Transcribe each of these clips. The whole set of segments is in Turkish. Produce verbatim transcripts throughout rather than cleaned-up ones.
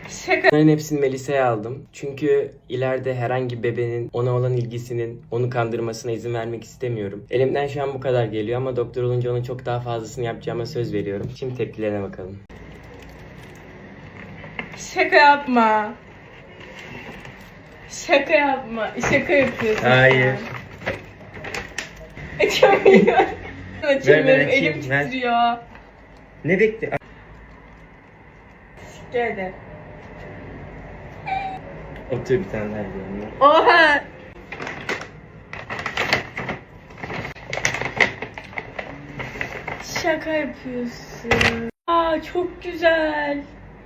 Şaka. Bunların hepsini Melisa'ya aldım. Çünkü ileride herhangi bebenin ona olan ilgisinin onu kandırmasına izin vermek istemiyorum. Elimden şu an bu kadar geliyor ama doktor olunca onun çok daha fazlasını yapacağıma söz veriyorum. Şimdi tepkilerine bakalım. Şaka yapma. Şaka yapma. Şaka yapıyorsun. Hayır. Açamıyorum. Açamıyorum. açayım, Elim ver. titriyor. Ne bekle? Geldi. Otur bir tane daha diyorum. Oha. Şaka yapıyorsun. Aa çok güzel.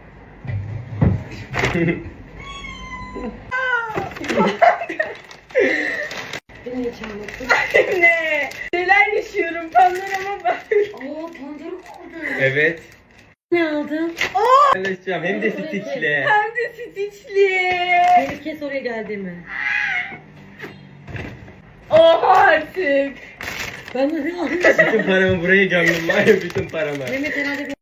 Beni hiç anlattın. Ne? Neler yaşıyorum panorama bak. Aa pancarı mı aldın? Evet. Ne aldın? Paylaşacağım hem de stickle. Hem de stitchli. Beni kes oraya geldiğimi. Oha artık. Ben de ne aldım? Bütün paramı buraya gömdüm var ya, bütün paramı. Mehmet herhalde bir...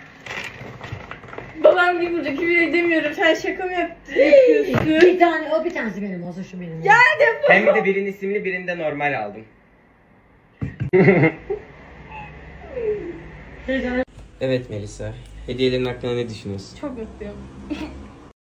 Babam gibi burada küfür edemiyorum. Sen şaka mı yaptın? yapıyorsun? bir tane, o bir tanesi benim olsun şu benim. Ya defol. Hem de birinin isimli birinde normal aldım. Evet Melisa, hediyelerin hakkında ne düşünüyorsun? Çok mutluyum.